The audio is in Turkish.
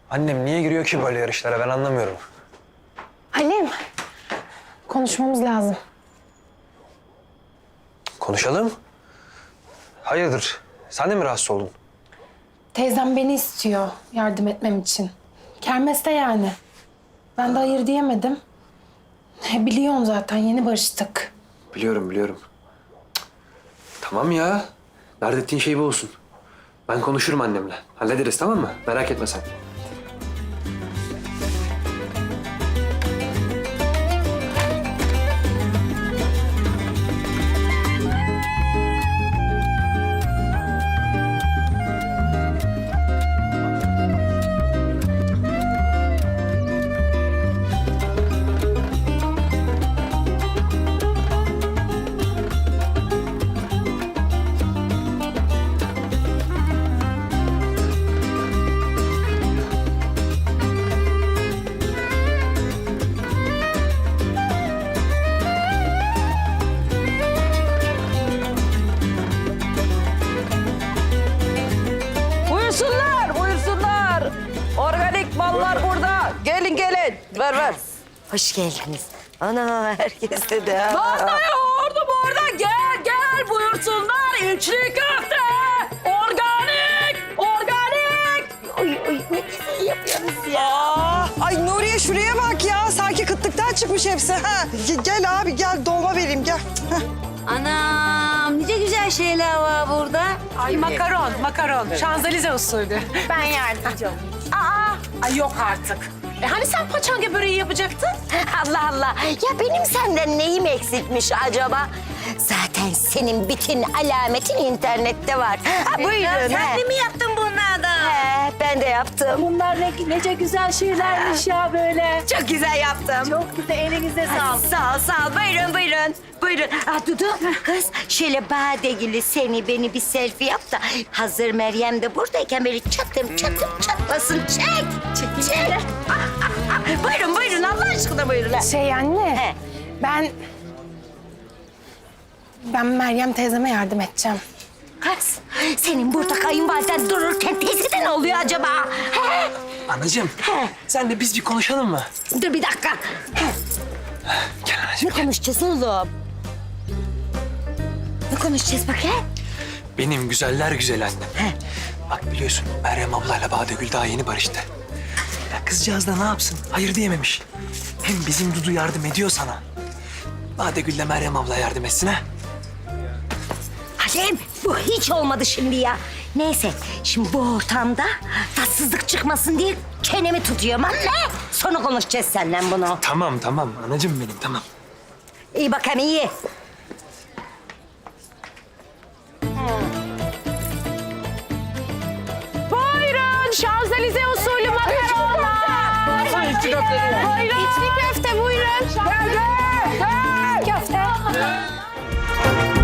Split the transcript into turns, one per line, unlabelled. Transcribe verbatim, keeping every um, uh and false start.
Annem niye giriyor ki böyle yarışlara ben anlamıyorum.
Halim, konuşmamız lazım.
Konuşalım. Hayırdır? Sen de mi rahatsız oldun?
Teyzem beni istiyor yardım etmem için. Kermeste yani. Ben de hayır diyemedim. E, biliyorsun zaten yeni barıştık.
Biliyorum biliyorum. Cık. Tamam ya. Dert ettiğin şey bu olsun. Ben konuşurum annemle. Hallederiz tamam mı? Merak etme sen.
Buyursunlar, buyursunlar. Organik mallar burada. Gelin gelin. Ver ver.
Hoş geldiniz. Ana herkese de.
Manda yoğurdu burada. Gel gel buyursunlar. İçli köfte. Organik, organik.
Oy oy ne güzel yapıyorsunuz ya.
Aa, ay Nuriye şuraya bak ya. Sanki kıtlıktan çıkmış hepsi. Ha. Ge- Gel abi gel dolma vereyim gel. Heh.
Anam nice güzel şeyler var burada.
Ay makaron, makaron. Şanzelize usulü.
Ben yardımcı olayım.
Aa, ay yok artık. E hani sen paçanga böreği yapacaktın?
Allah Allah. Ya benim senden neyim eksikmiş acaba? Zaten senin bütün alametin internette var. Ha, buyurun. Sen de mi yaptın bunlardan? He, ben de yaptım.
Bunlar ne, nece güzel şeylermiş ya böyle.
Çok güzel yaptım.
Çok güzel, elinize sağlık.
Sağ ol, sağ ol. Buyurun, buyurun. Buyurun. Ah Dudu, kız şöyle badegili seni beni bir selfie yap da hazır Meryem de buradayken böyle çatım çatım çatlasın. Çek, çek, çek. Ah, ah, ah. Buyurun, buyurun. Allah aşkına buyurun. ha.
Şey anne,
He.
ben... Ben Meryem teyzeme yardım edeceğim.
Kız, senin burada kayınvaliden dururken teyze ne oluyor acaba? He?
Anacığım.
He.
Sen de biz bir konuşalım mı?
Dur bir dakika.
Gel anacığım.
Ne konuşacağız oğlum? Ne konuşacağız bakayım?
Benim güzeller güzel annem.
He.
Bak biliyorsun Meryem ablayla Badegül daha yeni barıştı. Ya kızcağız da ne yapsın? Hayır diyememiş. Hem bizim Dudu yardım ediyor sana. Badegül'le Meryem abla yardım etsin ha.
Halim bu hiç olmadı şimdi ya. Neyse şimdi bu ortamda tatsızlık çıkmasın diye çenemi tutuyorum anne. Sonra konuşacağız seninle bunu.
Tamam tamam anacığım benim tamam.
İyi bakalım iyi.
Buyurun, Şanzelize usulü makaronlar.
İçli köfte.
Buyurun. İçli köfte buyurun. Gel, gel. Köfte.